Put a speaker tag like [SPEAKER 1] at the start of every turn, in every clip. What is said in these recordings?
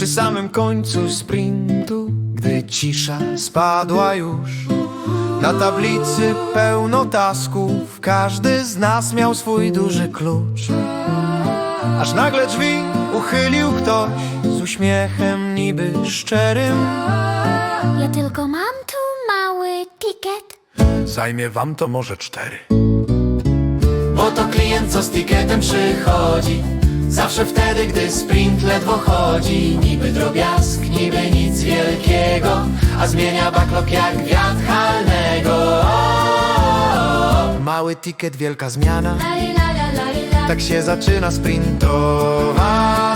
[SPEAKER 1] samym końcu sprintu, gdy cisza spadła już, na tablicy pełno tasków, każdy z nas miał swój duży klucz. Aż nagle drzwi uchylił ktoś z uśmiechem niby szczerym.
[SPEAKER 2] Ja tylko mam tu mały ticket.
[SPEAKER 1] Zajmie wam to może 4.
[SPEAKER 3] Bo to klient, co z ticketem przychodzi, zawsze wtedy, gdy sprint ledwo chodzi. Niby drobiazg, niby nic wielkiego, a zmienia backlog jak wiatr halnego.
[SPEAKER 1] Mały ticket, wielka zmiana, tak się zaczyna sprintowa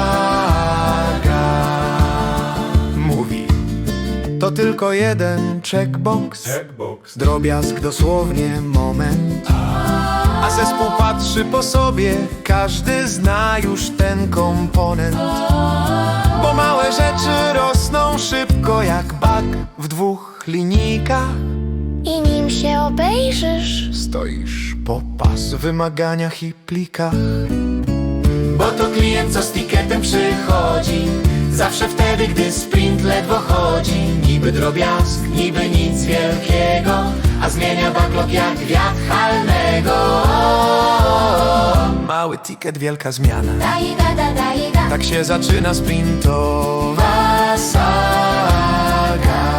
[SPEAKER 1] saga. Mówi, to tylko jeden checkbox, drobiazg, dosłownie moment. A zespół patrzy po sobie, każdy zna już ten komponent. Bo małe rzeczy rosną szybko jak bak w 2 linijkach.
[SPEAKER 2] I nim się obejrzysz,
[SPEAKER 1] Stoisz po pas w wymaganiach i plikach.
[SPEAKER 3] Bo to klient, co z ticketem przychodzi, zawsze wtedy, gdy sprint ledwo chodzi. Niby drobiazg, niby nic wielkiego, a zmienia backlog jak wiatr halnego.
[SPEAKER 1] Mały ticket, wielka zmiana,
[SPEAKER 2] daj da.
[SPEAKER 1] tak się zaczyna sprintowa saga.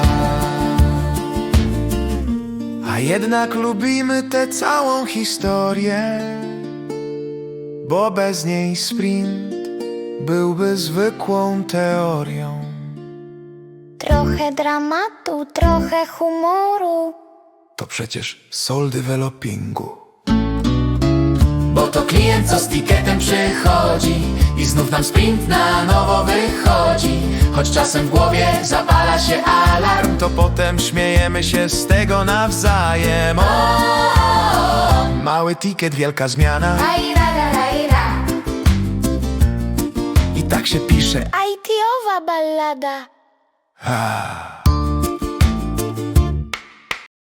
[SPEAKER 1] A jednak lubimy tę całą historię, bo bez niej sprint byłby zwykłą teorią.
[SPEAKER 2] Trochę dramatu, trochę humoru.
[SPEAKER 1] To przecież soul developingu.
[SPEAKER 3] Bo to klient, co z ticketem przychodzi i znów nam sprint na nowo wychodzi. Choć czasem w głowie zapala się alarm,
[SPEAKER 1] To potem śmiejemy się z tego nawzajem. Mały ticket, wielka zmiana, i tak się pisze.
[SPEAKER 2] IT-owa ballada.
[SPEAKER 1] Ah.